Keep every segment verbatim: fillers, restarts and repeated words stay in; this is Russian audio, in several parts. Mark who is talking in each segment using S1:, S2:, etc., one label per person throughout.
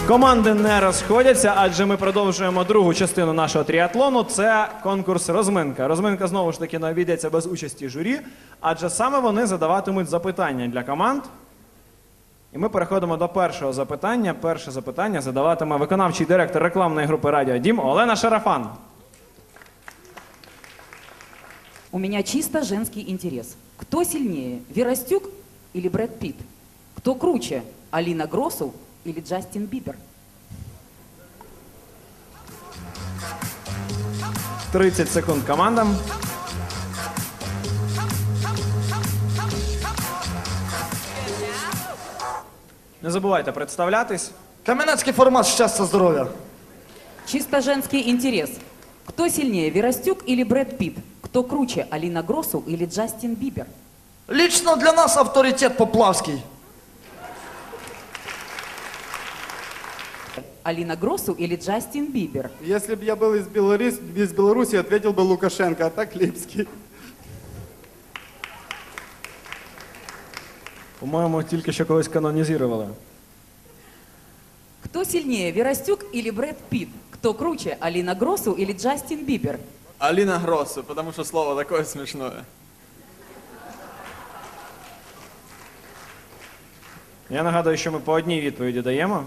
S1: Команди не розходяться, адже ми продовжуємо другу частину нашого тріатлону. Це конкурс «Розминка». Розминка, знову ж таки, не обійдеться без участі журі, адже саме вони задаватимуть запитання для команд. І ми переходимо до першого запитання. Перше запитання задаватиме виконавчий директор рекламної групи «Радіо Дім» Олена Шарафан.
S2: У меня чисто женский интерес. Кто сильнее, Вера Стюк или Брэд Питт? Кто круче, Алина Гросу или Джастин Бибер?
S1: тридцять секунд командам. Не забувайте представлятись.
S3: Кам'янецький формат «Щастя, здоров'я».
S2: Чисто женский интерес. Кто сильнее, Вера Стюк или Брэд Питт? Кто круче, Алина Гросу или Джастин Бибер?
S3: Лично для нас авторитет Поплавський.
S2: Алина Гросу или Джастин Бибер?
S4: Если бы я был из Беларуси, из Беларуси, ответил бы Лукашенко, а так Липский.
S1: По-моєму, тільки що когось канонізували.
S2: Кто сильнее, Вера Стюк или Брэд Питт? Кто круче, Алина Гросу или Джастин Бибер?
S5: Алина Гроссу, потому что слово такое смешное.
S1: Я нагадую, що ми по одній відповіді даємо.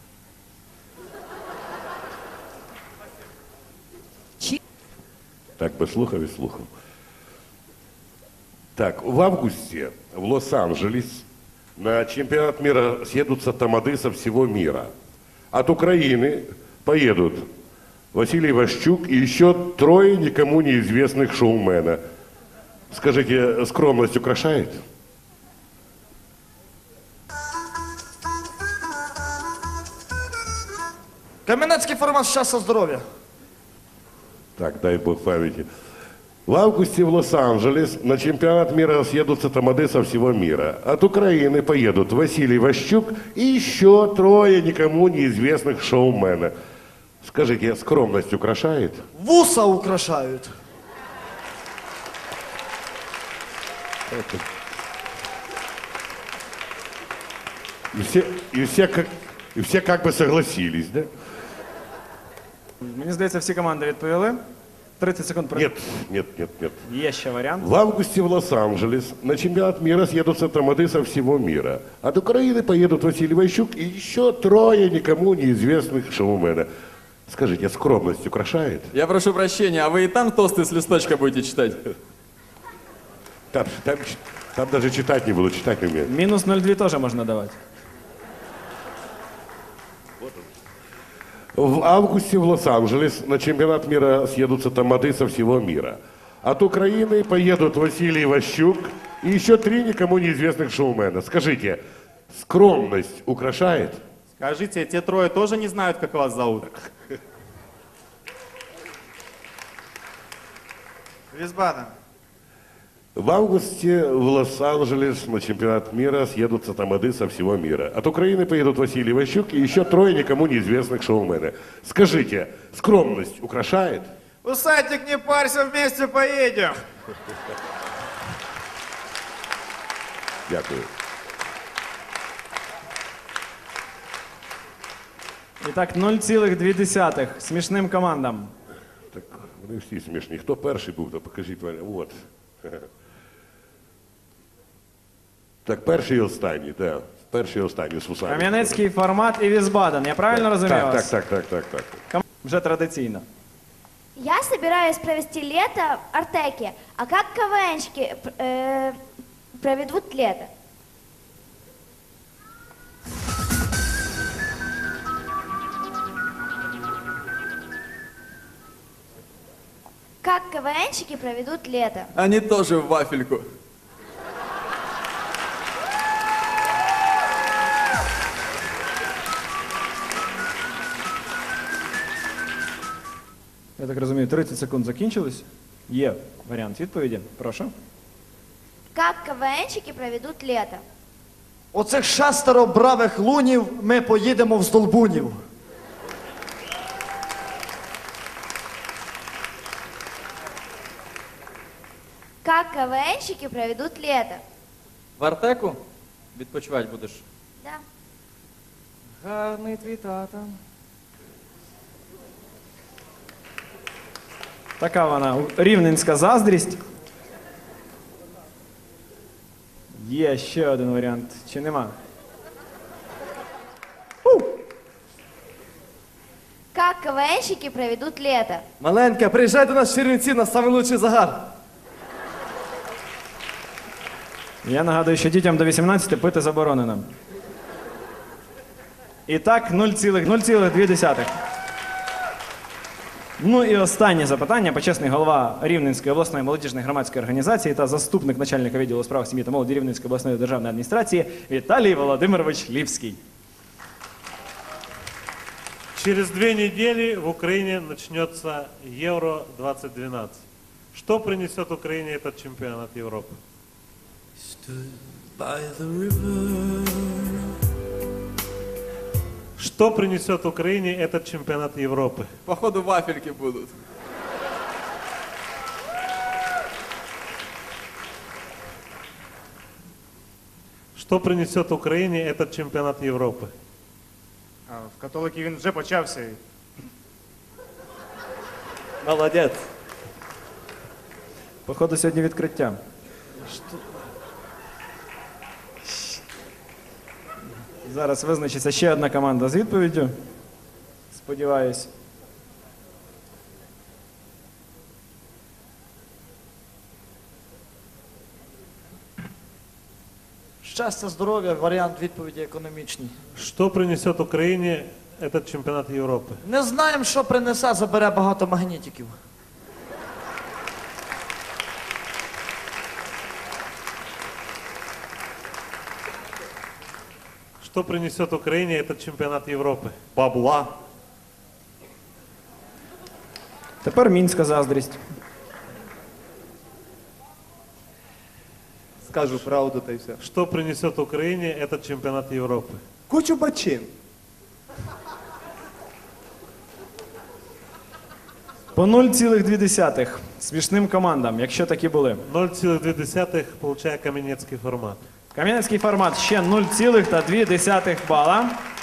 S2: Чи...
S6: Так, послухав и слухал. Так, в августе в Лос-Анджелес на чемпионат мира съедутся тамады со всего мира. От Украины поедут Василий Ващук и еще трое никому неизвестных шоумена. Скажите, скромность украшает?
S3: Кам'янецький формат «Щастя, здоров'я».
S6: Так, дай бог памяти. В августе в Лос-Анджелес на чемпионат мира съедутся тамады со всего мира. От Украины поедут Василий Ващук и еще трое никому неизвестных шоумена. Скажите, скромность украшает?
S3: Вуса украшають.
S6: И все, и все, как, и все как бы согласились, да?
S1: Мені здається, всі команди відповіли. тридцать секунд.
S6: Нет, нет, нет, нет.
S1: Є ще варіант.
S6: В августе в Лос-Анджелес на чемпионат мира съедутся тамады со всего мира. От Украины поедут Василий Ващук и еще трое никому неизвестных шоумена. Скажите, скромность украшает?
S5: Я прошу прощения, а вы и там тосты с листочка будете читать?
S6: Там, там, там даже читать не буду, читать не умею.
S1: Мінус нуль два теж можна давати.
S6: В августе в Лос-Анджелес на чемпионат мира съедутся тамады со всего мира. От Украины поедут Василий Ващук и еще три никому неизвестных шоумена. Скажите, скромность украшает?
S4: Скажите, те трое тоже не знают, как вас зовут?
S7: Висбаден.
S6: В августе в Лос-Анджелес на чемпионат мира съедутся тамады со всего мира. От Украины поедут Василий Ващук и еще трое никому неизвестных шоумена. Скажите, скромность украшает?
S7: Усатик, не парься, вместе поедем.
S6: Дякую.
S1: І так, нуль цілих дві десятих смішним командам.
S6: Так, вони всі смішні. Хто перший був, то покажіть. От. Так, перший і останній, так. Перший і останній з вусами.
S1: Кам'янецький формат і Висбаден. Я правильно розумію
S6: Так,
S1: вас?
S6: так, так, так, так, так.
S1: Вже традиційно.
S8: Я собираюсь провести лето в Артеке. А как КВНщики э, проведут лето? Как КВНщики проведут лето?
S5: Они тоже в вафельку.
S1: Я так розумію, тридцять секунд закінчились. Є варіант відповіді. Прошу.
S8: Как КВНщики проведут лето?
S3: Оцих шестеро бравих лунів ми поїдемо в Здолбунів.
S8: Как КВНщики проведут лето?
S5: В Артеку відпочивати будеш?
S8: Да.
S9: Гарний твій тата.
S1: Така вона рівненська заздрість. Є ще один варіант. Чи нема?
S8: Как КВНщики проведут лето?
S9: Маленька, приїжджай до нас в Чернівці на самий лучший загар.
S1: Я нагадую, що дітям до вісімнадцяти пити заборонено. І так, нуль цілих дві десятих. Ну і останнє запитання. Почесний голова Рівненської обласної молодіжної громадської організації та заступник начальника відділу у справах сім'ї та молоді Рівненської обласної державної адміністрації Віталій Володимирович Ліпський.
S10: Через две недели в Украине начнется Евро двадцать двенадцать. Что принесет Украине этот чемпионат Европы? Что принесет Украине этот чемпионат Европы?
S5: Походу вафельки будут.
S10: Что принесет Украине этот чемпионат Европы?
S4: А, в католики він вже почався.
S9: Молодець.
S1: Походу, сьогодні відкриття. Зараз визначиться ще одна команда з відповіддю. Сподіваюсь.
S3: Щастя, здоров'я, варіант відповіді економічний.
S10: Что принесет Украине этот чемпионат Европы?
S3: Не знаємо, що принесе, забере багато магнітиків.
S10: Что принесет Украине этот чемпионат Европы?
S4: Бабла.
S1: Тепер мінська заздрість.
S9: Скажу правду та й все.
S10: Что принесет Украине этот чемпионат Европы?
S9: Кучу бачин.
S1: По нуль цілих дві десятих смішним командам, якщо такі були.
S10: ноль целых две десятых, получая каменецкий формат.
S1: Кам'янецький формат ще нуль цілих дві десятих бала.